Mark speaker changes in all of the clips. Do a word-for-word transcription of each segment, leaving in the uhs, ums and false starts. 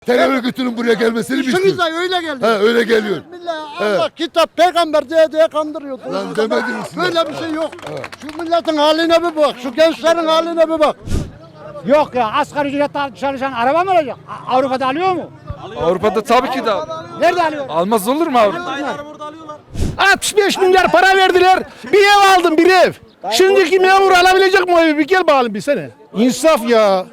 Speaker 1: Terör örgütünün buraya gelmesini mi
Speaker 2: İşinize
Speaker 1: istiyorsun?
Speaker 2: öyle geldi.
Speaker 1: He öyle geliyor.
Speaker 2: Millet Allah kitap peygamber diye diye kandırıyordu.
Speaker 1: Lan demediniz mi?
Speaker 2: Böyle bir şey yok. Şu milletin haline bir bak. Şu gençlerin haline bir bak.
Speaker 3: Yok ya, asgari ücretle çalışan araba mı alacak? A- Avrupa'da alıyor mu?
Speaker 4: Avrupa'da tabii ki de
Speaker 3: Nerede alıyor?
Speaker 4: almaz olur mu abi?
Speaker 5: altmış beş milyar para verdiler. Bir ev aldım, bir ev. Şimdiki memur alabilecek mi o evi? Bir gel bakalım bir sene. İnsaf ya.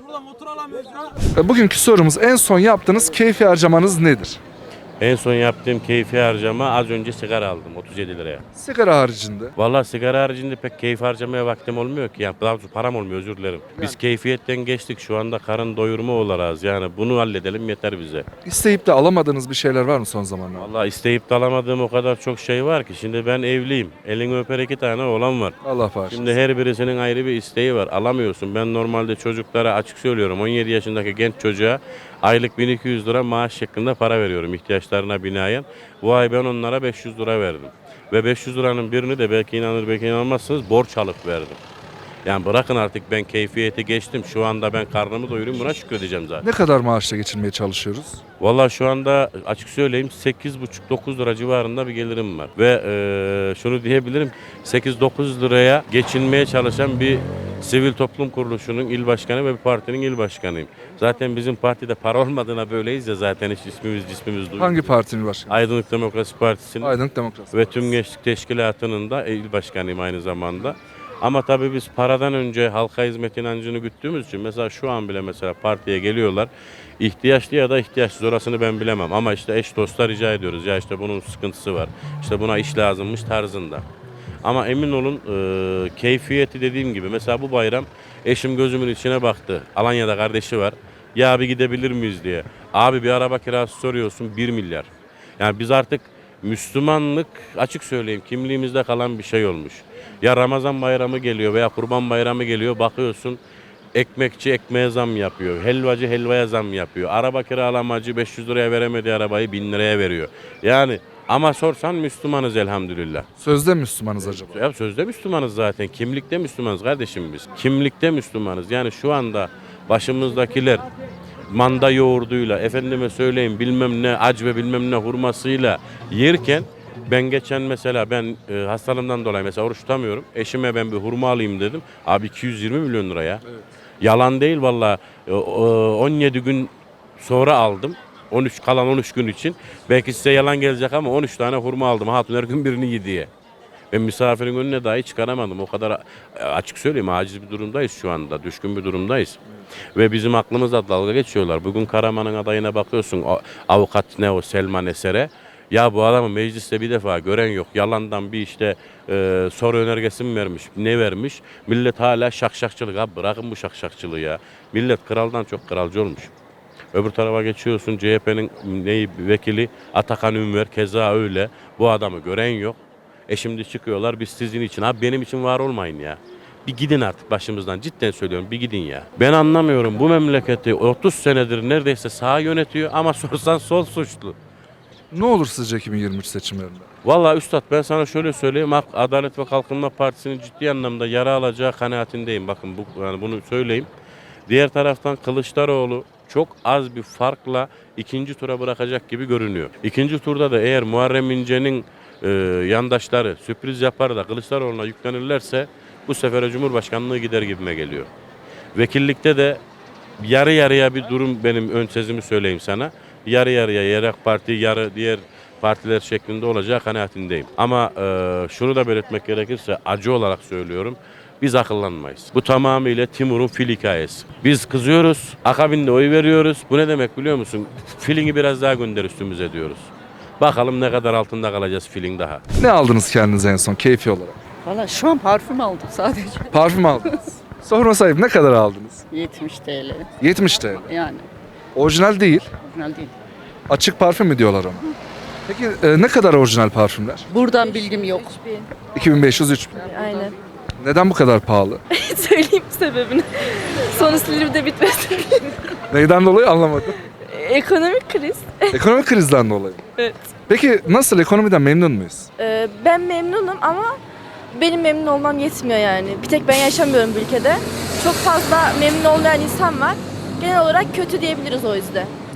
Speaker 4: Bugünkü sorumuz, en son yaptığınız keyfi harcamanız nedir?
Speaker 6: En son yaptığım keyfi harcama az önce sigara aldım otuz yedi liraya.
Speaker 4: Sigara haricinde.
Speaker 6: Vallahi sigara haricinde pek keyif harcamaya vaktim olmuyor ki. Yani daha doğrusu param olmuyor, özür dilerim. Biz keyfiyetten geçtik, şu anda karın doyurma olarak yani bunu halledelim yeter bize.
Speaker 4: İsteyip de alamadığınız bir şeyler var mı son zamanlarda?
Speaker 6: Vallahi isteyip de alamadığım o kadar çok şey var ki. Şimdi ben evliyim. Elini öper iki tane oğlan var.
Speaker 4: Allah bağışlasın.
Speaker 6: Şimdi her birisinin ayrı bir isteği var. Alamıyorsun. Ben normalde çocuklara açık söylüyorum. on yedi yaşındaki genç çocuğa aylık bin iki yüz lira maaş şeklinde para veriyorum ihtiyaçlarına binaen. Bu ay ben onlara beş yüz lira verdim. Ve beş yüz liranın birini de belki inanır belki inanmazsınız borç alıp verdim. Yani bırakın artık ben keyfiyeti geçtim. Şu anda ben karnımı doyurayım, buna şükredeceğim zaten.
Speaker 4: Ne kadar maaşla geçinmeye çalışıyoruz?
Speaker 6: Vallahi şu anda açık söyleyeyim sekiz buçuk dokuz lira civarında bir gelirim var. Ve e, şunu diyebilirim, sekiz dokuz liraya geçinmeye çalışan bir sivil toplum kuruluşunun il başkanı ve bir partinin il başkanıyım. Zaten bizim partide para olmadığına böyleyiz ya, zaten hiç ismimiz cismimiz duymuyor.
Speaker 4: Hangi partinin başkanı?
Speaker 6: Aydınlık Demokrasi Partisi'nin
Speaker 4: Aydınlık Demokrasi
Speaker 6: ve
Speaker 4: Partisi.
Speaker 6: tüm gençlik teşkilatının da il başkanıyım aynı zamanda. Ama tabii biz paradan önce halka hizmet inancını güttüğümüz için mesela şu an bile mesela partiye geliyorlar. İhtiyaçlı ya da ihtiyaçsız, orasını ben bilemem. Ama işte eş dostlar rica ediyoruz. Ya işte bunun sıkıntısı var. İşte buna iş lazımmış tarzında. Ama emin olun e, keyfiyeti dediğim gibi mesela bu bayram eşim gözümün içine baktı. Alanya'da kardeşi var. Ya abi gidebilir miyiz diye. Abi bir araba kirası soruyorsun bir milyar. Yani biz artık Müslümanlık açık söyleyeyim kimliğimizde kalan bir şey olmuş. Ya Ramazan bayramı geliyor veya Kurban bayramı geliyor, bakıyorsun ekmekçi ekmeğe zam yapıyor. Helvacı helvaya zam yapıyor. Araba kiralamacı beş yüz liraya veremediği arabayı bin liraya veriyor. Yani ama sorsan Müslümanız elhamdülillah.
Speaker 4: Sözde Müslümanız acaba?
Speaker 6: Ya sözde Müslümanız zaten. Kimlikte Müslümanız kardeşim biz. Kimlikte Müslümanız. Yani şu anda başımızdakiler manda yoğurduyla, efendime söyleyeyim bilmem ne ac ve bilmem ne hurmasıyla yerken ben geçen mesela ben e, hastalığımdan dolayı mesela oruç tutamıyorum. Eşime ben bir hurma alayım dedim. Abi iki yüz yirmi milyon liraya. Evet. Yalan değil valla. E, on yedi gün sonra aldım. on üç kalan on üç gün için. Belki size yalan gelecek ama on üç tane hurma aldım. Hatun her gün birini yedi diye. Ben misafirin önüne dahi çıkaramadım. O kadar açık söyleyeyim aciz bir durumdayız şu anda. Düşkün bir durumdayız. Ve bizim aklımızda dalga geçiyorlar. Bugün Karaman'ın adayına bakıyorsun. Avukat ne o Selman Eser'e. Ya bu adamı mecliste bir defa gören yok. Yalandan bir işte e, soru önergesi mi vermiş, ne vermiş? Millet hala şakşakçılık. Abi bırakın bu şakşakçılığı ya. Millet kraldan çok kralcı olmuş. Öbür tarafa geçiyorsun C H P'nin neyi vekili Atakan Ünver keza öyle. Bu adamı gören yok. E şimdi çıkıyorlar biz sizin için. Abi benim için var olmayın ya. Bir gidin artık başımızdan, cidden söylüyorum, bir gidin ya. Ben anlamıyorum, bu memleketi otuz senedir neredeyse sağ yönetiyor ama sorsan sol suçlu.
Speaker 4: Ne olur sizce iki bin yirmi üç seçimlerinde?
Speaker 6: Vallahi üstad ben sana şöyle söyleyeyim. Adalet ve Kalkınma Partisi'nin ciddi anlamda yara alacağı kanaatindeyim. Bakın bu, yani bunu söyleyeyim. Diğer taraftan Kılıçdaroğlu çok az bir farkla ikinci tura bırakacak gibi görünüyor. İkinci turda da eğer Muharrem İnce'nin e, yandaşları sürpriz yapar da Kılıçdaroğlu'na yüklenirlerse bu sefer Cumhurbaşkanlığı gider gibime geliyor. Vekillikte de yarı yarıya bir durum, benim ön sezimi söyleyeyim sana. Yarı yarıya yarı parti yarı diğer partiler şeklinde olacağı kanaatindeyim. Ama e, şunu da belirtmek gerekirse acı olarak söylüyorum. Biz akıllanmayız. Bu tamamıyla Timur'un fil hikayesi. Biz kızıyoruz, akabinde oy veriyoruz. Bu ne demek biliyor musun? Filini biraz daha gönder üstümüze diyoruz. Bakalım ne kadar altında kalacağız filin daha.
Speaker 4: Ne aldınız kendinize en son keyfi olarak?
Speaker 7: Valla şu an parfüm aldım sadece.
Speaker 4: Parfüm aldınız. Sorma sahip ne kadar aldınız?
Speaker 7: yetmiş TL.
Speaker 4: yetmiş T L.
Speaker 7: Yani
Speaker 4: Orijinal değil.
Speaker 7: orijinal değil.
Speaker 4: Açık parfüm mü diyorlar ona? Peki e, ne kadar orijinal parfümler?
Speaker 7: Buradan bilgim yok.
Speaker 4: iki bin beş yüz üç bin.
Speaker 8: Aynen.
Speaker 4: Neden bu kadar pahalı?
Speaker 8: Söyleyeyim sebebini. Sonu Silivri'de bitmesin.
Speaker 4: Neyden dolayı anlamadım.
Speaker 8: Ekonomik kriz.
Speaker 4: Ekonomik krizden dolayı.
Speaker 8: Evet.
Speaker 4: Peki nasıl, ekonomiden memnun muyuz?
Speaker 8: Ee, ben memnunum ama benim memnun olmam yetmiyor yani. Bir tek ben yaşamıyorum bu ülkede. Çok fazla memnun olmayan insan var. Genel olarak kötü diyebiliriz o yüzden.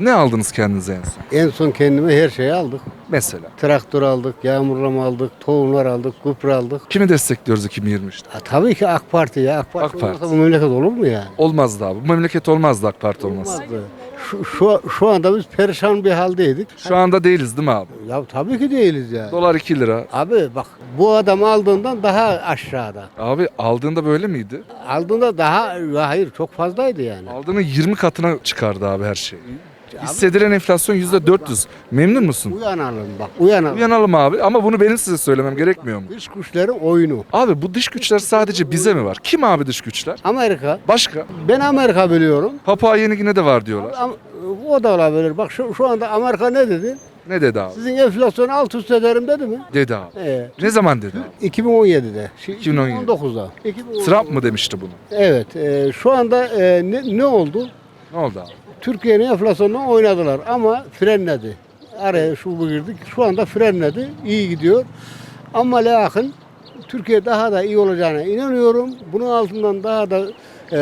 Speaker 4: Ne aldınız kendinize en son?
Speaker 2: En son kendime her şeyi aldık.
Speaker 4: Mesela.
Speaker 2: Traktör aldık, yağmurlama aldık, tohumlar aldık, gübre aldık.
Speaker 4: Kimi destekliyoruz iki bin yirmi üçte?
Speaker 2: Ha, tabii ki AK Parti ya. AK Parti,
Speaker 4: AK Parti.
Speaker 2: olmasa bu memleket olur mu yani?
Speaker 4: Olmazdı abi. Bu memleket olmazdı AK Parti olmasa.
Speaker 2: Olmazdı. Şu, şu, şu anda biz perişan bir haldeydik.
Speaker 4: Şu anda değiliz değil mi abi?
Speaker 2: Ya tabii ki değiliz yani.
Speaker 4: Dolar iki lira.
Speaker 2: Abi bak bu adam aldığından daha aşağıda.
Speaker 4: Abi aldığında böyle miydi?
Speaker 2: Aldığında daha ya hayır çok fazlaydı yani.
Speaker 4: Aldığının yirmi katına çıkardı abi her şey. Hissedilen enflasyon yüzde dört yüz. Memnun musun?
Speaker 2: Uyanalım bak uyanalım.
Speaker 4: Uyanalım abi ama bunu benim size söylemem gerekmiyor mu?
Speaker 2: Dış güçlerin oyunu.
Speaker 4: Abi bu dış güçler sadece bize mi var? Kim abi dış güçler?
Speaker 2: Amerika.
Speaker 4: Başka?
Speaker 2: Ben Amerika biliyorum.
Speaker 4: Papua Yeni Gine'de var diyorlar.
Speaker 2: Ama o da olabilir. Bak şu, şu anda Amerika ne dedi?
Speaker 4: Ne dedi abi?
Speaker 2: Sizin enflasyonu alt üst ederim dedi mi?
Speaker 4: Dedi abi.
Speaker 2: Ee,
Speaker 4: Ne zaman dedi abi?
Speaker 2: iki bin on yedide. Şey,
Speaker 4: iki bin on yedi.
Speaker 2: iki bin on dokuzda. iki bin on dokuz.
Speaker 4: Trump mı demişti bunu?
Speaker 2: Evet. E, şu anda e, ne, ne oldu?
Speaker 4: Ne oldu abi?
Speaker 2: Türkiye'nin enflasyonunu oynadılar ama frenledi. Araya şu bu girdik. Şu anda frenledi. İyi gidiyor. Ama lakin Türkiye daha da iyi olacağına inanıyorum. Bunun altından daha da e,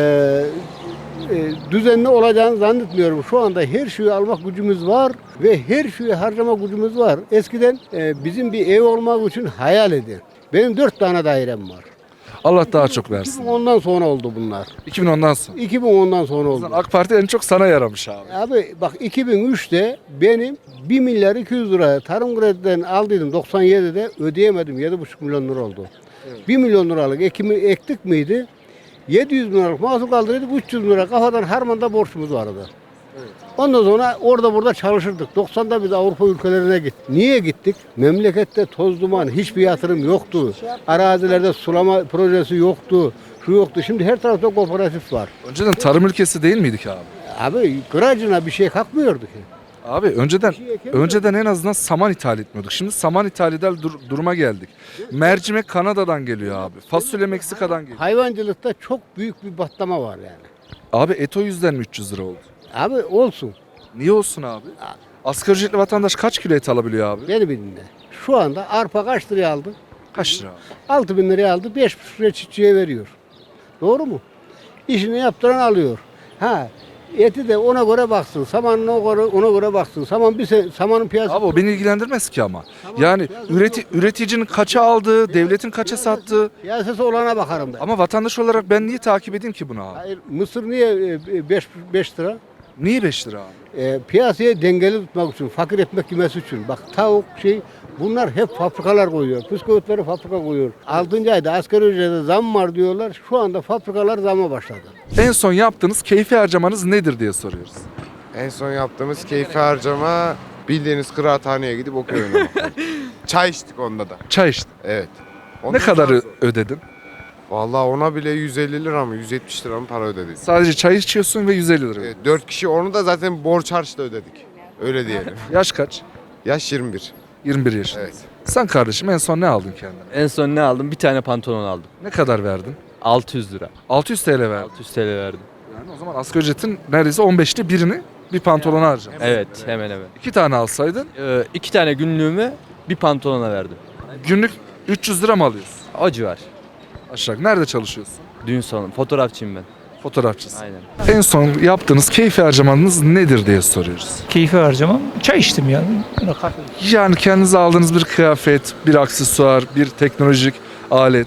Speaker 2: e, düzenli olacağını zannetmiyorum. Şu anda her şeyi almak gücümüz var ve her şeyi harcama gücümüz var. Eskiden e, bizim bir ev olmak için hayal edin. Benim dört tane dairem var.
Speaker 4: Allah daha çok versin.
Speaker 2: iki bin ondan sonra oldu bunlar.
Speaker 4: iki bin ondan sonra.
Speaker 2: iki bin ondan sonra oldu.
Speaker 4: AK Parti en çok sana yaramış abi.
Speaker 2: Abi bak iki bin üçte benim bir milyar iki yüz liraya tarım krediden aldıydım doksan yedide ödeyemedim yedi buçuk milyon lira oldu. bir milyon liralık ekimi ektik miydi? yedi yüz bin liralık mahsul kaldırıyorduk üç yüz bin lira kafadan harmanda borçumuz vardı. Ondan sonra orada burada çalışırdık. doksanda biz Avrupa ülkelerine gittik. Niye gittik? Memlekette toz duman, hiçbir yatırım yoktu. Arazilerde sulama projesi yoktu. Şu yoktu. Şimdi her tarafta kooperatif var.
Speaker 4: Önceden tarım ülkesi değil miydik abi?
Speaker 2: Abi kıracına bir şey kalkmıyordu ki.
Speaker 4: Abi önceden
Speaker 2: şey ekemiyoruz.
Speaker 4: önceden en azından saman ithal etmiyorduk. Şimdi saman ithal eder dur- duruma geldik. Mercimek Kanada'dan geliyor abi. Fasulye Meksika'dan geliyor.
Speaker 2: Hayvancılıkta çok büyük bir batlama var yani.
Speaker 4: Abi et o yüzden mi üç yüz lira oldu?
Speaker 2: Abi olsun.
Speaker 4: Niye olsun abi? Asgari ücretli vatandaş kaç kilo et alabiliyor abi?
Speaker 2: Beni dinle. Şu anda arpa kaç liraya aldı?
Speaker 4: Kaç lira abi?
Speaker 2: altı bin liraya aldı. beş buçuk liraya çiftçiye veriyor. Doğru mu? İşini yaptıran alıyor. Ha eti de ona göre baksın. Samanına göre, ona göre baksın. Saman bir se- samanın piyasası.
Speaker 4: Abi o beni ilgilendirmez ki ama. Yani üreti, üreticinin kaça aldığı, devletin kaça sattığı.
Speaker 2: Piyasası olana bakarım ben.
Speaker 4: Ama vatandaş olarak ben niye takip edeyim ki bunu abi?
Speaker 2: Hayır, Mısır niye beş lira?
Speaker 4: Niye beş lira abi?
Speaker 2: E, piyasayı dengeli tutmak için, fakir ekmek yemesi için. Bak tavuk şey bunlar hep fabrikalar koyuyor. Bisküvitleri fabrika koyuyor. altıncı ayda asgari ücrete zam var diyorlar. Şu anda fabrikalar zamma başladı.
Speaker 4: En son yaptığınız keyfi harcamanız nedir diye soruyoruz.
Speaker 9: En son yaptığımız keyfi harcama bildiğiniz kıraathaneye gidip okey oynamak. Çay içtik onda da.
Speaker 4: Çay içtin.
Speaker 9: Evet.
Speaker 4: Ne
Speaker 9: Ondan
Speaker 4: kadar
Speaker 9: sonra-
Speaker 4: ö- ödedin?
Speaker 9: Vallahi ona bile yüz elli lira mı yüz yetmiş lira mı para ödedik.
Speaker 4: Sadece çay içiyorsun ve yüz elli lira.
Speaker 9: Evet, dört kişi onu da zaten borç harçla ödedik. Öyle diyelim.
Speaker 4: Yaş kaç?
Speaker 9: Yaş yirmi bir.
Speaker 4: yirmi bir yaşında.
Speaker 9: Evet.
Speaker 4: Sen kardeşim en son ne aldın kendine?
Speaker 10: En son ne aldım? Bir tane pantolon aldım.
Speaker 4: Ne kadar verdin?
Speaker 10: altı yüz lira.
Speaker 4: altı yüz T L verdin.
Speaker 10: altı yüz T L verdim.
Speaker 4: Yani o zaman asgari ücretin neredeyse on beşte birini bir pantolona harcadın.
Speaker 10: Evet, hemen hemen.
Speaker 4: İki tane alsaydın
Speaker 10: Ee, iki tane günlüğümü bir pantolona verdim.
Speaker 4: günlük üç yüz lira mı alıyorsun?
Speaker 10: O civar.
Speaker 4: Aşağı. Nerede çalışıyorsun?
Speaker 10: Düğün salonu. Fotoğrafçıyım ben.
Speaker 4: Fotoğrafçısın.
Speaker 10: Aynen.
Speaker 4: En son yaptığınız keyfi harcamanız nedir diye soruyoruz.
Speaker 11: Keyfi harcamam. Çay içtim ya. Kahve.
Speaker 4: Yani kendinize aldığınız bir kıyafet, bir aksesuar, bir teknolojik alet,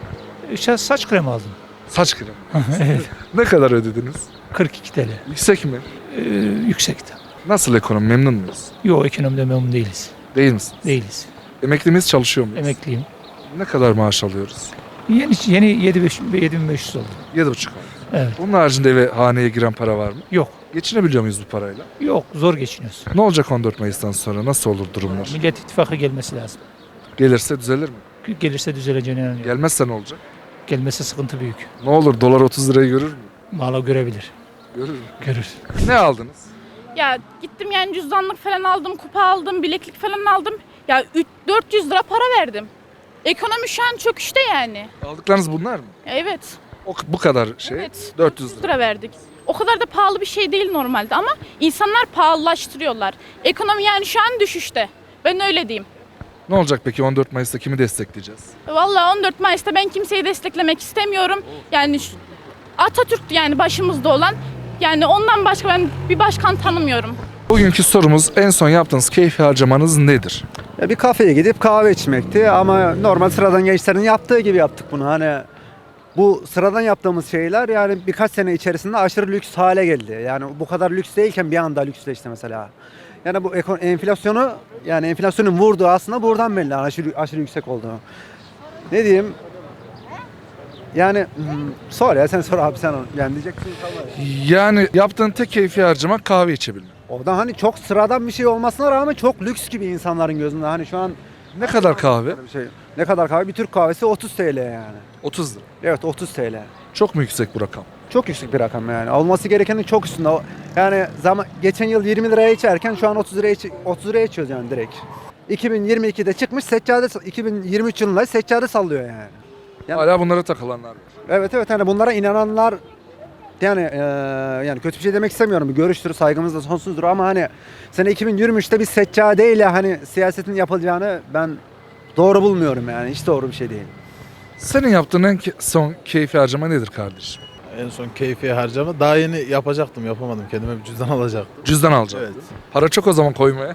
Speaker 11: İşte saç kremi aldım.
Speaker 4: saç kremi.
Speaker 11: Evet.
Speaker 4: Ne kadar ödediniz?
Speaker 11: kırk iki T L.
Speaker 4: Yüksek mi?
Speaker 11: Ee, yüksekti.
Speaker 4: Nasıl ekonomi? Memnun muyuz?
Speaker 11: Yok ekonomide memnun değiliz.
Speaker 4: Değil misiniz?
Speaker 11: Değiliz.
Speaker 4: Emekli miyiz, çalışıyor muyuz?
Speaker 11: Emekliyim.
Speaker 4: Ne kadar maaş alıyoruz?
Speaker 11: Yeni yeni yedi bin beş yüz oldu.
Speaker 4: Yedi buçuk.
Speaker 11: Evet.
Speaker 4: Bunun haricinde eve haneye giren para var mı?
Speaker 11: Yok.
Speaker 4: Geçinebiliyor muyuz bu parayla?
Speaker 11: Yok zor geçiniyoruz.
Speaker 4: Ne olacak on dört Mayıs'tan sonra? Nasıl olur durumlar?
Speaker 11: Millet İttifakı gelmesi lazım.
Speaker 4: Gelirse düzelir mi?
Speaker 11: Gelirse düzeleceğine inanıyorum.
Speaker 4: Gelmezse ne olacak?
Speaker 11: Gelmesi sıkıntı büyük.
Speaker 4: Ne olur dolar otuz lirayı görür mü?
Speaker 11: Valla görebilir.
Speaker 4: Görür mü?
Speaker 11: Görür.
Speaker 4: Ne aldınız?
Speaker 8: Ya gittim yani cüzdanlık falan aldım, kupa aldım, bileklik falan aldım. Ya üç dört yüz lira para verdim. Ekonomi şu an çöküşte yani.
Speaker 4: Aldıklarınız bunlar mı?
Speaker 8: Evet.
Speaker 4: O, bu kadar şey.
Speaker 8: Evet.
Speaker 4: dört yüz lira.
Speaker 8: lira verdik. O kadar da pahalı bir şey değil normalde ama insanlar pahalılaştırıyorlar. Ekonomi yani şu an düşüşte. Ben öyle diyeyim.
Speaker 4: Ne olacak peki on dört Mayıs'ta kimi destekleyeceğiz?
Speaker 8: Vallahi on dört Mayıs'ta ben kimseyi desteklemek istemiyorum. Yani şu- Atatürk yani başımızda olan. Yani ondan başka ben bir başkan tanımıyorum.
Speaker 4: Bugünkü sorumuz en son yaptığınız keyfi harcamanız nedir?
Speaker 12: Bir kafeye gidip kahve içmekti ama normal sıradan gençlerin yaptığı gibi yaptık bunu. Hani bu sıradan yaptığımız şeyler yani birkaç sene içerisinde aşırı lüks hale geldi. Yani bu kadar lüks değilken bir anda lüksleşti mesela. Yani bu ekon- enflasyonu yani enflasyonun vurduğu aslında buradan belli aşırı, aşırı yüksek olduğu. Ne diyeyim? Yani hmm, sor ya sen sor abi sen onu. Yani diyeceksin kalmadı.
Speaker 4: Yani yaptığın tek keyfi harcama kahve içebilmek.
Speaker 12: O da hani çok sıradan bir şey olmasına rağmen çok lüks gibi insanların gözünde. Hani şu an
Speaker 4: Ne kadar kahve?
Speaker 12: bir şey. Ne kadar kahve? Bir Türk kahvesi otuz TL yani.
Speaker 4: otuz lira.
Speaker 12: Evet otuz TL.
Speaker 4: Çok mu yüksek bu rakam?
Speaker 12: Çok yüksek bir rakam yani. Olması gerekenin çok üstünde. O- Yani zaman geçen yıl yirmi liraya içerken şu an otuz liraya iç- otuz liraya içiyoruz yani direkt. iki bin yirmi ikide çıkmış seccade iki bin yirmi üç yılında seccade sallıyor yani. Yani-
Speaker 4: Hala bunlara takılanlar var.
Speaker 12: Evet evet hani bunlara inananlar yani eee, yani kötü bir şey demek istemiyorum. Bir görüştür, saygımız da sonsuzdur ama hani sene iki bin yirmi üçte bir seccadeyle hani siyasetin yapılacağını ben doğru bulmuyorum yani. Hiç doğru bir şey değil.
Speaker 4: Senin yaptığın en ke- son keyfi harcama nedir kardeşim?
Speaker 5: En son keyfi harcama. Daha yeni yapacaktım yapamadım. Kendime bir cüzdan alacaktım.
Speaker 4: Cüzdan alacaksın.
Speaker 5: Evet.
Speaker 4: Para çok o zaman koymaya.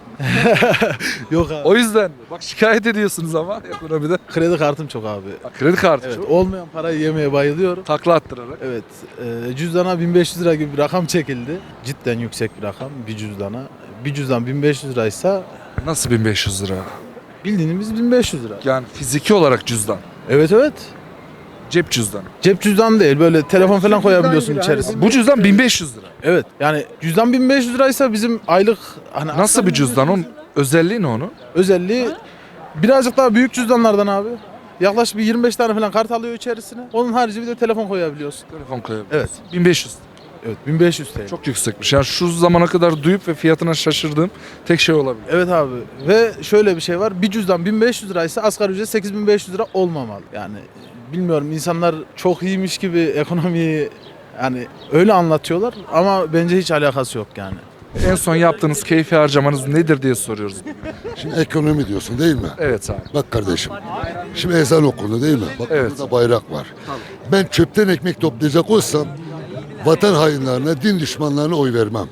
Speaker 5: Yok abi.
Speaker 4: O yüzden mi? Bak şikayet ediyorsunuz ama ekonomide.
Speaker 5: Kredi kartım çok abi.
Speaker 4: Bak, kredi kartı
Speaker 5: Evet,
Speaker 4: çok.
Speaker 5: olmayan parayı yemeye bayılıyorum.
Speaker 4: Takla attırarak.
Speaker 5: Evet, e, cüzdana bin beş yüz lira gibi bir rakam çekildi. Cidden yüksek bir rakam bir cüzdana. Bir cüzdan bin beş yüz liraysa
Speaker 4: Nasıl bin beş yüz lira?
Speaker 5: bildiğimiz bin beş yüz lira.
Speaker 4: Yani fiziki olarak cüzdan.
Speaker 5: Evet evet.
Speaker 4: Cep cüzdanı.
Speaker 5: Cep cüzdanı değil böyle telefon falan koyabiliyorsun
Speaker 12: gibi,
Speaker 5: içerisine.
Speaker 4: Bu cüzdan bin beş yüz lira.
Speaker 5: Evet yani cüzdan bin beş yüz liraysa bizim aylık hani
Speaker 4: Nasıl
Speaker 5: asgari
Speaker 4: bir cüzdan? Onun özelliği ne onun?
Speaker 5: özelliği birazcık daha büyük cüzdanlardan abi. Yaklaşık bir yirmi beş tane falan kart alıyor içerisine. Onun harici bir de telefon koyabiliyorsun.
Speaker 4: Telefon koyabiliyor.
Speaker 5: Evet.
Speaker 4: bin beş yüz.
Speaker 5: Evet bin beş yüz T L.
Speaker 4: Çok yüksekmiş. Yani şu zamana kadar duyup ve fiyatına şaşırdığım tek şey olabilir.
Speaker 5: Evet abi ve şöyle bir şey var. Bir cüzdan bin beş yüz liraysa asgari ücret sekiz bin beş yüz lira olmamalı. Yani bilmiyorum insanlar çok iyiymiş gibi ekonomiyi yani öyle anlatıyorlar ama bence hiç alakası yok yani.
Speaker 4: En son yaptığınız keyfi harcamanız nedir diye soruyoruz.
Speaker 1: Şimdi ekonomi diyorsun değil mi?
Speaker 4: Evet abi.
Speaker 1: Bak kardeşim. Şimdi ezan okundu değil mi? Bak
Speaker 4: Evet.
Speaker 1: burada bayrak var. Ben çöpten ekmek toplayacak olsam vatan hainlerine, din düşmanlarına oy vermem.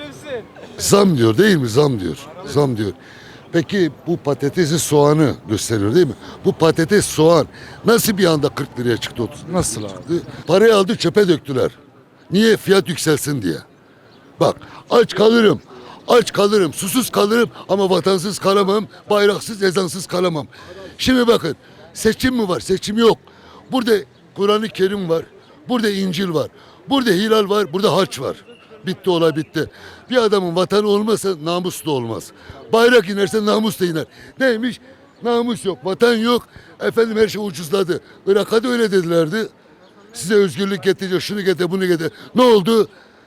Speaker 1: Zam diyor değil mi? Zam diyor. Zam diyor. Peki bu patatesi soğanı gösteriyor değil mi? Bu patates soğan nasıl bir anda kırk liraya çıktı otuz?
Speaker 4: Nasıl abi?
Speaker 1: Parayı aldı çöpe döktüler. Niye? Fiyat yükselsin diye. Bak aç kalırım. Aç kalırım, susuz kalırım ama vatansız kalamam, bayraksız, ezansız kalamam. Şimdi bakın, seçim mi var? Seçim yok. Burada Kur'an-ı Kerim var, burada İncil var, burada hilal var, burada haç var. Bitti olay bitti. Bir adamın vatanı olmasa namus da olmaz. Bayrak inerse namus da iner. Neymiş? Namus yok, vatan yok. Efendim her şey ucuzladı. Irak'a da öyle dedilerdi. Size özgürlük getirecek, şunu getir, bunu getir. Ne oldu?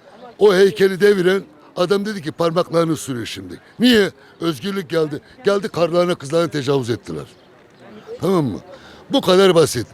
Speaker 1: O heykeli deviren adam dedi ki parmaklarını sürüyor şimdi. Niye? Özgürlük geldi. Geldi karlarına kızlarına tecavüz ettiler. Tamam mı? Bu kadar basit.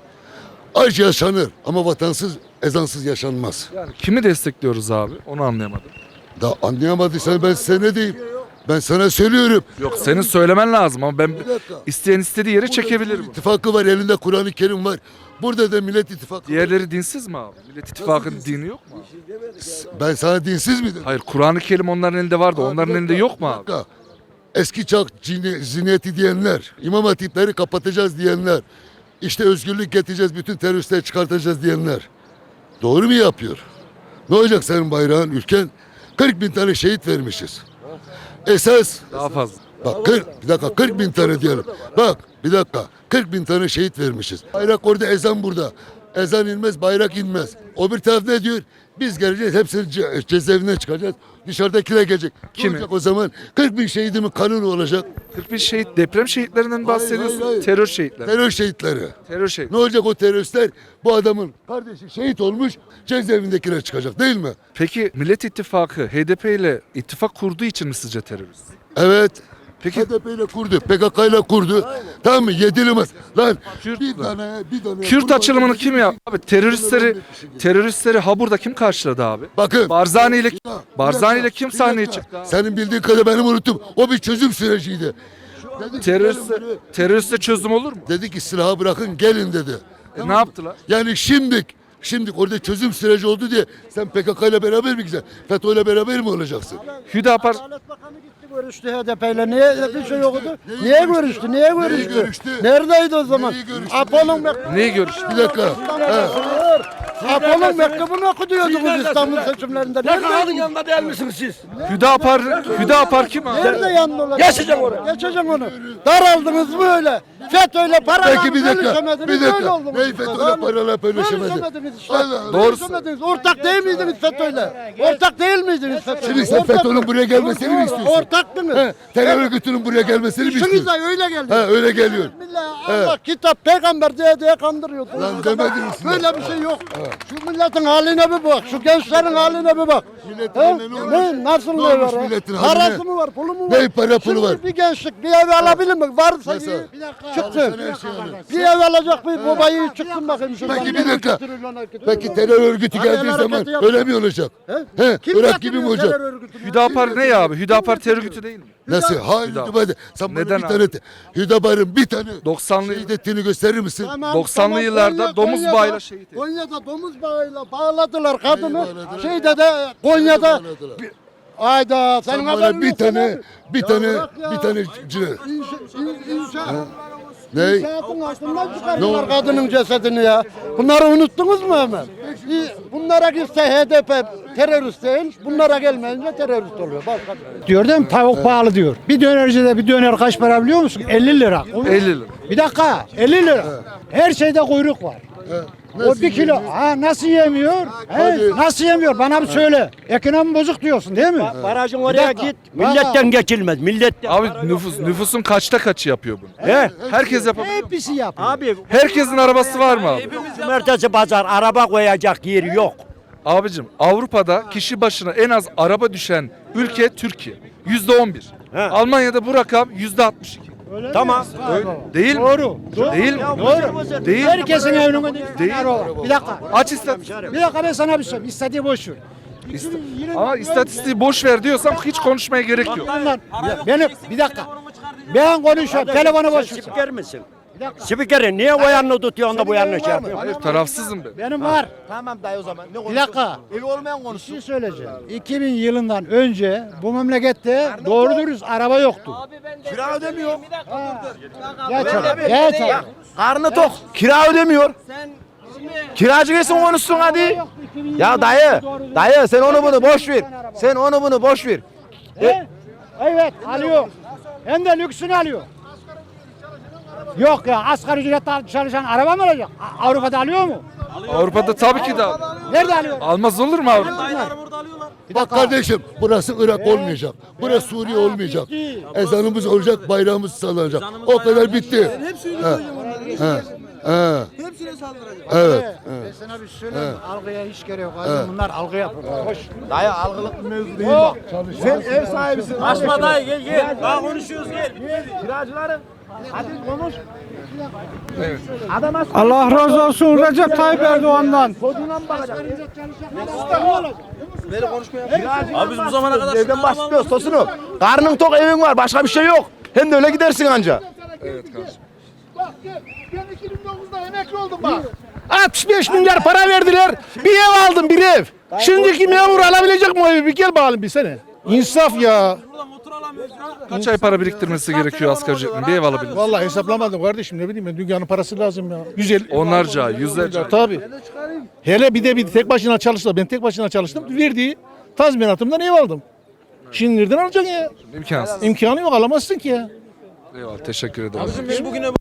Speaker 1: Aç yaşanır ama vatansız, ezansız yaşanmaz.
Speaker 4: Yani kimi destekliyoruz abi? Onu anlayamadım.
Speaker 1: Da anlayamadıysan ben size ne diyeyim? Ben sana söylüyorum.
Speaker 4: Yok senin söylemen lazım ama ben
Speaker 1: Bir dakika.
Speaker 4: isteyen istediği yere çekebilir
Speaker 1: Burada
Speaker 4: bu.
Speaker 1: İttifakı var, elinde Kur'an-ı Kerim var. Burada da Millet İttifakı var.
Speaker 4: Diğerleri dinsiz mi abi? Millet İttifakı'nın dini yok mu abi?
Speaker 1: Ben sana dinsiz mi dedim?
Speaker 4: Hayır Kur'an-ı Kerim onların elinde vardı.
Speaker 1: Aa,
Speaker 4: Onların
Speaker 1: bir
Speaker 4: elinde
Speaker 1: dakika,
Speaker 4: yok mu
Speaker 1: bir
Speaker 4: abi?
Speaker 1: dakika. Eski çağ cini- zihniyeti diyenler, imam hatipleri kapatacağız diyenler, işte özgürlük getireceğiz, bütün teröristleri çıkartacağız diyenler. Doğru mu yapıyor? Ne olacak senin bayrağın, ülken? kırk bin tane şehit vermişiz. Esas,
Speaker 4: Daha fazla.
Speaker 1: bak kırk, bir dakika kırk bin tane diyelim. Bak bir dakika, kırk bin tane şehit vermişiz. Bayrak orada, ezan burada. Ezan inmez, bayrak inmez. O bir taraf ne diyor? Biz geleceğiz, hepsini ce- cezaevinden çıkacağız. Dışarıdakiler gelecek.
Speaker 4: Kimi?
Speaker 1: Ne olacak o zaman? kırk bin şehidimin kanunu olacak.
Speaker 4: kırk bin şehit deprem şehitlerinden bahsediyorsun.
Speaker 1: hayır, hayır.
Speaker 4: Terör şehitleri.
Speaker 1: Terör şehitleri.
Speaker 4: Terör şehit.
Speaker 1: Ne olacak o teröristler? Bu adamın kardeşi şehit olmuş, cezaevindekiler çıkacak değil mi?
Speaker 4: Peki Millet İttifakı H D P ile ittifak kurduğu için mi sizce terörist?
Speaker 1: Evet.
Speaker 4: Peki
Speaker 1: H D P ile kurdu, P K K ile kurdu. Tamam mı? Yedilemez. Lan
Speaker 4: Kürt
Speaker 1: bir
Speaker 4: mü?
Speaker 1: tane, bir tane.
Speaker 4: Kürt açılımını kim yaptı? Abi teröristleri teröristleri ha burada kim karşıladı abi?
Speaker 1: Bakın.
Speaker 4: Barzani ile
Speaker 1: Bir dakika,
Speaker 4: Barzani
Speaker 1: bir
Speaker 4: ile kim
Speaker 1: dakika,
Speaker 4: sahneye
Speaker 1: bir dakika.
Speaker 4: çıktı abi?
Speaker 1: Senin bildiğin kadar benim unuttum. O bir çözüm süreciydi. Dedi ki,
Speaker 4: Teröriste,
Speaker 1: gelin buraya.
Speaker 4: teröriste çözüm olur mu?
Speaker 1: Dedi ki silahı bırakın gelin dedi.
Speaker 4: E, ne yaptılar?
Speaker 1: Yani şimdi Şimdi orada çözüm süreci oldu diye sen P K K ile beraber mi gideceksin? FETÖ ile beraber mi olacaksın?
Speaker 4: Hüdapar
Speaker 3: Adalet Bakanı gitti görüştü H D P ile. Niye bir şey yoktu? Niye görüştü? Niye görüştü?
Speaker 1: görüştü?
Speaker 3: Neredeydi o zaman?
Speaker 1: Neyi görüştü?
Speaker 3: Apollo'nun mektubunu
Speaker 4: neyi görüş?
Speaker 1: Bir dakika. He.
Speaker 3: Apollo'nun mektubunu okuduyordunuz İstanbul seçimlerinde. Neredeydin?
Speaker 11: yanında değil misiniz siz?
Speaker 4: Hüdapar, Hüdapar kim abi?
Speaker 3: Nerede yanında olacak?
Speaker 11: Geçeceğim onu.
Speaker 3: Geçeceğim onu. Daraldınız mı öyle? FETÖ'yle paralarla
Speaker 1: Peki bir dakika.
Speaker 3: bölüşemediniz,
Speaker 1: Bir
Speaker 3: böyle
Speaker 1: dakika.
Speaker 3: oldunuz.
Speaker 1: Neyi FETÖ'yle parayla paylaşamadı?
Speaker 3: Bölüşemediniz işte.
Speaker 1: Allah Allah.
Speaker 4: Doğrusu.
Speaker 3: Bölüşemediniz. Ortak değil miydiniz FETÖ'yle? Ortak değil miydiniz FETÖ'yle?
Speaker 1: Şimdi sen
Speaker 3: Ortak-
Speaker 1: FETÖ'nün buraya gelmesini mi istiyorsun?
Speaker 3: Ortaktınız.
Speaker 1: He, terör örgütünün buraya gelmesini mi
Speaker 3: İşiniz
Speaker 1: istiyorsun?
Speaker 3: de öyle geldi.
Speaker 1: He, öyle geliyor.
Speaker 3: Millet Allah kitap peygamber diye diye kandırıyordu.
Speaker 1: Lan demediniz mi?
Speaker 3: Böyle bir şey yok. Şu milletin haline bir bak. Şu gençlerin haline bir bak.
Speaker 1: Milletin
Speaker 3: He?
Speaker 1: haline ne olmuş?
Speaker 3: Ne? Nasıl
Speaker 1: Ne
Speaker 3: ne
Speaker 1: olmuş
Speaker 3: var?
Speaker 1: milletin
Speaker 3: ha?
Speaker 1: haline?
Speaker 3: Parası mı var? Pulu mu var?
Speaker 1: Ne para pulu
Speaker 3: Şimdi
Speaker 1: var?
Speaker 3: bir gençlik bir ev alabilir mi? Varsa
Speaker 1: Nasıl?
Speaker 3: iyi. Çıksın.
Speaker 1: Çalışan her şey alır.
Speaker 3: Bir ev alacak bir babayı çıksın bakayım. şuradan.
Speaker 1: Peki bir dakika.
Speaker 3: üç trilyon hareket
Speaker 1: Peki
Speaker 3: ediyor.
Speaker 1: terör örgütü
Speaker 3: Hani
Speaker 1: geldiği
Speaker 3: el
Speaker 1: zaman
Speaker 3: hareketi yapıyor.
Speaker 1: öyle mi olacak?
Speaker 3: He?
Speaker 1: He,
Speaker 3: Kim
Speaker 1: Irak gibi mi
Speaker 3: getiriyor
Speaker 1: olacak?
Speaker 3: terör örgütünü?
Speaker 4: Hüdapar ne ya abi? Hüdapar terör örgütü değil mi?
Speaker 1: Nasıl? Hayır
Speaker 4: Hüdapar.
Speaker 1: Hüdapar. Sen bana
Speaker 4: Neden
Speaker 1: bir
Speaker 4: abi?
Speaker 1: tane te- Hüdapar'ın bir tane
Speaker 4: doksanlı
Speaker 1: şehit ettiğini gösterir misin?
Speaker 3: Tamam,
Speaker 4: doksanlı
Speaker 3: tamam.
Speaker 4: yıllarda
Speaker 3: Konya-
Speaker 4: domuz
Speaker 3: Konya'da-
Speaker 4: bağıyla şehit edildi.
Speaker 3: Konya'da domuz bağıyla bağladılar kadını.
Speaker 1: bağladılar?
Speaker 3: Şeyde de Konya'da
Speaker 1: bağladılar?
Speaker 3: bir- Ayda senin
Speaker 1: Sen
Speaker 3: haberin
Speaker 1: bana bir
Speaker 3: yok
Speaker 1: tane
Speaker 3: lan.
Speaker 1: bir
Speaker 3: Ya
Speaker 1: tane
Speaker 3: bırak ya.
Speaker 1: bir tane cine.
Speaker 3: İnşa, in, inşa,
Speaker 1: Ne?
Speaker 3: İnşaatın altından çıkardılar kadının cesedini ya. Bunları unuttunuz mu hemen? İyi, bunlara gitse H D P terörist değil, bunlara gelmeyince terörist oluyor. Başka
Speaker 11: Diyor değil mi? Tavuk pahalı diyor. Bir dönercide bir döner kaç para biliyor musun? elli lira.
Speaker 4: elli lira.
Speaker 11: Bir dakika elli lira. Her şeyde kuyruk var. O bir kilo. Ha nasıl yemiyor? He, nasıl yemiyor? Bana bir söyle. Ekonomi bozuk diyorsun değil mi?
Speaker 3: Barajın
Speaker 11: oraya git,
Speaker 3: milletten
Speaker 11: geçilmez. Milletten.
Speaker 4: Abi nüfus nüfusun kaçta kaçı yapıyor bunu?
Speaker 11: He.
Speaker 4: Herkes yapabiliyor.
Speaker 11: Hepsi yapıyor.
Speaker 3: Abi
Speaker 4: Herkesin arabası var mı abi?
Speaker 3: cumartesi pazar araba koyacak yeri yok.
Speaker 4: Abicim Avrupa'da kişi başına en az araba düşen ülke Türkiye. yüzde on bir. Almanya'da bu rakam yüzde altmış iki.
Speaker 3: Tamam.
Speaker 4: Değil mi?
Speaker 11: Doğru.
Speaker 4: Değil mi?
Speaker 11: Doğru.
Speaker 4: Değil.
Speaker 11: Herkesin evinin önünde
Speaker 4: Değil.
Speaker 11: araba. Bir dakika.
Speaker 4: Aç istatistik.
Speaker 11: Bir dakika ben sana bir şey. İstediği boş ver.
Speaker 4: İsta- Ama istatistiği boş ver diyorsam hiç konuşmaya gerek yok.
Speaker 11: Bunlar, benim bir dakika. Ben konuşuyorum. Telefonu boş ver.
Speaker 3: Spiker misin? Spikeri niye o yanını tutuyorsun da bu yanını şey yapıyorsun?
Speaker 4: Hayır tarafsızım ben.
Speaker 11: Benim var.
Speaker 3: Tamam dayı o zaman. Ne
Speaker 11: Bir dakika.
Speaker 3: Evi olmayan
Speaker 11: Bir
Speaker 3: konuşsun.
Speaker 11: şey söyleyeceğim. iki bin yılından önce bu memlekette doğru dürüst araba yoktu.
Speaker 3: Kira ödemiyor.
Speaker 11: Geç abi. Geç abi.
Speaker 3: Karnı tok. Kira ödemiyor. Kiracı gelsin konuşsun hadi. Ya dayı, dayı sen onu bunu boş ver. Sen onu bunu boş ver.
Speaker 11: He? Evet alıyor. Hem de lüksünü alıyor. Yok ya asgari ücretle çalışan araba mı olacak? A- Avrupa'da alıyor mu?
Speaker 4: Avrupa'da tabii ki de
Speaker 11: Nerede alıyor?
Speaker 4: almaz olur mu Avrupa?
Speaker 1: Bak kardeşim burası Irak olmayacak. Burası Suriye olmayacak. Ezanımız olacak, bayrağımız sallanacak. O kadar bitti. Ha. Ha. Ha. Evet.
Speaker 11: Ben sana bir şey söyleyeyim mi? Algıya hiç gerek yok. Bunlar algı yapıyor. Hoş.
Speaker 3: Dayı algılık bir mevzu değil bak. Sen ev sahibisin. Açma dayı gel gel. Daha konuşuyoruz gel. Kiracıları. Hadi konuş.
Speaker 11: Allah razı olsun Recep Tayyip Erdoğan'dan.
Speaker 3: Koduna mı bakacak? Abi biz bu zamana kadar evden başlıyoruz tosunu. Karnın tok evin var başka bir şey yok. Hem de öyle gidersin anca.
Speaker 4: Evet kardeşim.
Speaker 3: Bak gel. Ben iki bin dokuzda emekli oldum bak. altmış beş milyar para verdiler. Bir ev aldım bir ev. Şimdiki memur alabilecek mi o evi? Bir gel bakalım bir sene. İnsaf ya.
Speaker 4: Kaç ay para biriktirmesi gerekiyor asgari ücretin bir ev alabilir?
Speaker 5: Vallahi hesaplamadım kardeşim ne bileyim ben dünyanın parası lazım ya. yüz elli.
Speaker 4: Onlarca ay, yüzlerce ay.
Speaker 5: Tabii. Hele bir de bir tek başına çalıştı. Ben tek başına çalıştım. Verdiği tazminatımdan ev aldım. Şimdi nereden alacaksın ya?
Speaker 4: İmkansız.
Speaker 5: İmkanı yok alamazsın ki ya.
Speaker 4: Eyvallah teşekkür ederim.
Speaker 3: Biz bugüne